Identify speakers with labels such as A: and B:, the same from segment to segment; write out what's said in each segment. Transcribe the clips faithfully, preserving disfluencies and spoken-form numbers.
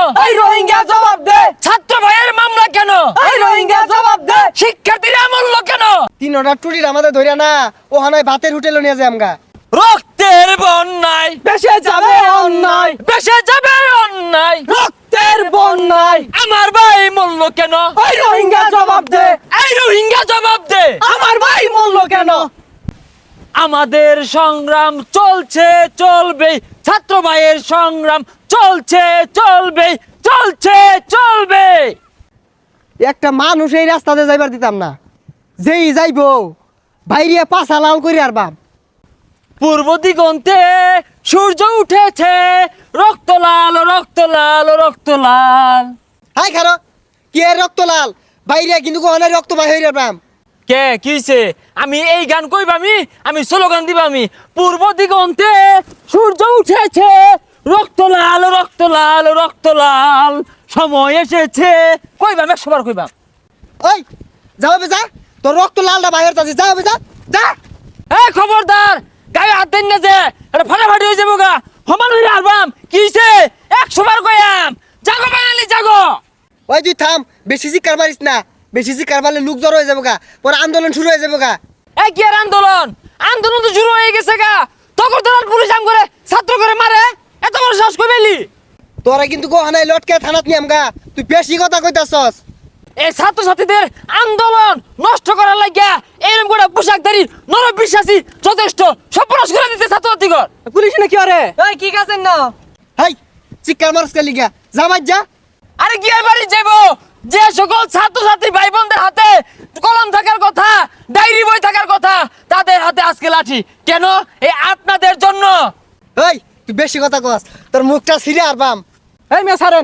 A: এই রোহিঙ্গা জবাব দে।
B: ছাত্র ভাইয়ের মামলা কেন?
A: এই রোহিঙ্গা জবাব দে।
B: শিক্ষার্থীরা মূল্য কেন?
C: তিন অর্ডার টুরির আমাদের ধরিয়া না ও হানায় ভাতের হোটেলে নিয়ে যায় আমগা।
B: রক্তের বন্যায়
A: বেশে যাবে অন্যায়,
B: বেসে যাবে অন্যায়।
A: রক্তের বন্যায়
B: আমার ভাই মূল্য কেন?
A: এই রোহিঙ্গা জবাব দে।
B: এই রোহিঙ্গা জবাব দে।
A: আমার ভাই মূল্য কেন?
B: আমাদের সংগ্রাম চলছে চলবে, ছাত্র ভাইয়ের সংগ্রাম চলছে চলবে, চলছে চলবে।
C: একটা মানুষ এই রাস্তাতে যাইবার দিতাম না, যেই যাইবো বাইরিয়া পাছা লাল করি আর বাপ।
B: পূর্ব দিগন্তে সূর্য উঠেছে, রক্ত লাল রক্ত লাল রক্ত লাল।
C: হাই খারো কি এর রক্ত লাল বাইরিয়া কিন্তু কোহানায় রক্ত বাই হইরা বাম।
B: কে কিছে? আমি এই গান কইবামি, আমি স্লোগান দিবামি। পূর্ব দিগন্তে সূর্য উঠেছে, রক্ত লাল রক্ত লাল রক্ত লাল, সময় এসেছে। কইবাম, একশো বার কইবাম।
C: ওই যাও বে যা, তোর রক্ত লালটা বাইরে তাছে, যাও বে যা যা।
B: এই খবরদার, গায়ে হাত দেন না যে, এটা ফাটাফাটি হয়ে যাবো গা। সমান হইরা আলবাম কিছে? একশো বার কইয়াম। জাগো বাঙালি জাগো।
C: ওই তুই থাম, বেশি চিৎকার মারিস না, বেশি চিৎকার মারলে লোক জড়ো হয়ে যাবো গা, পরে আন্দোলন শুরু হয়ে যাবো গা।
B: এই কি আর আন্দোলন? আন্দোলন তো শুরু হয়ে গেছে গা। তখন তো পুলিশ আম করে ছাত্র করে মারে, এত বড় সাহস কই পেলি?
C: তোরা কিন্তু কোহানায় লটকে থানাত নিয়াম গা, তুই বেশি কথা কইতাছস।
B: এই ছাত্র ছাত্রীদের আন্দোলন নষ্ট করার লাগিয়া এরকম করে পোশাকধারী নর বিশ্বাসী যথেষ্ট সর্বনাশ করে দিতে ছাত্র ছাত্রীগণ।
A: পুলিশ নাকি আরে? এই কি কাছেন না?
C: হাই চিৎকার মারস কে লিগা, যা বাজ যা।
B: আরে কি আর বাড়ি যাবো? যে সকল ছাত্র ছাত্রী ভাই বোনদের হাতে কলম থাকার কথা, ডায়েরি বই থাকার কথা, তাদের হাতে আজকে লাঠি কেন? এই আপনাদের জন্য।
C: এই তুই বেশি কথা কস, তোর মুখটা ছিঁড়ে আর বাম।
A: এই মেয়ে ছাড়েন।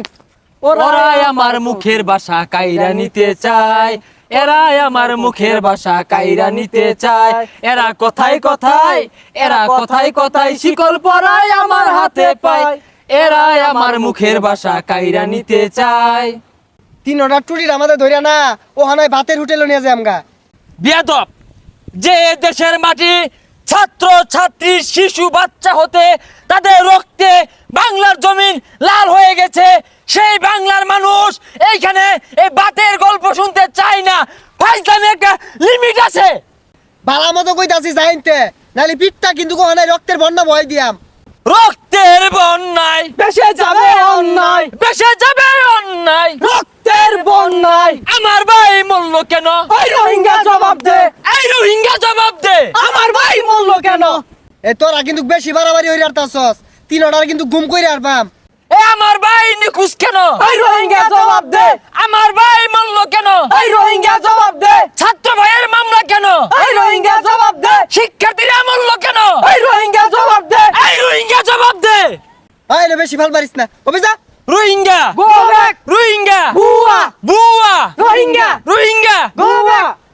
B: ওরাই আমার মুখের ভাষা কাইরা নিতে চায়, এরাই আমার মুখের ভাষা কাইরা নিতে চায়। এরা কথায় কথায়, এরা কথায় কথায় শিকল পরায় আমার হাতে পায়। এরাই আমার মুখের ভাষা কাইরা নিতে চায়।
C: তিন অর্ডার টুরির আমাদের ধরিয়া না ও হানায় ভাতের হোটেলে নিয়ে যায় আমগা।
B: বেয়াদব, যে দেশের মাটি ছাত্র ছাত্রী শিশু বাচ্চা হতে তাদের রক্তে বাংলার জমিন লাল হয়ে গেছে, সেই বাংলার মানুষ এইখানে এই বাতের গল্প শুনতে চায় না। ফাইজলামে একটা লিমিট আছে।
C: বালা মতো কইতাছি যাইনতে, নালি পিঠটা কিন্তু কোহানায় রক্তের বন্যা বয় দিয়াম।
B: রক্তের বন্যায়
A: বেশে যাবে অন্যায়,
B: বেসে যাবে অন্যায়।
A: রক্তের বন্যায়
B: আমার ভাই মূল্য কেন?
A: এই রোহিঙ্গা জবাব দে।
B: এই রোহিঙ্গা জবাব দে।
A: আমার ভাই মূল্য কেন?
C: এ তোরা কিন্তু বেশি বাড়াবাড়ি হইরে আরতাছস, তিন অর্ডার কিন্তু গুম কইরে আর বাম।
B: এ আমার ভাই নিখুঁজ কেন?
A: এই রোহিঙ্গা জবাব দে।
B: আমার ভাই মূল্য কেন?
A: এই রোহিঙ্গা জবাব দে।
B: ছাত্র ভাইয়ের মামলা কেন?
A: এই রোহিঙ্গা জবাব দে।
B: শিক্ষার্থীরা মূল্য কেন?
A: এই রোহিঙ্গা জবাব দে।
B: এই রোহিঙ্গা জবাব দে।
C: আইলে বেশি ভাল পারিস না, ওবে যা।
B: Rohingya
A: Go back.
B: রোহিঙ্গা
A: বুয়া
B: বুয়া
A: রোহিঙ্গা
B: রোহিঙ্গা
A: Go back.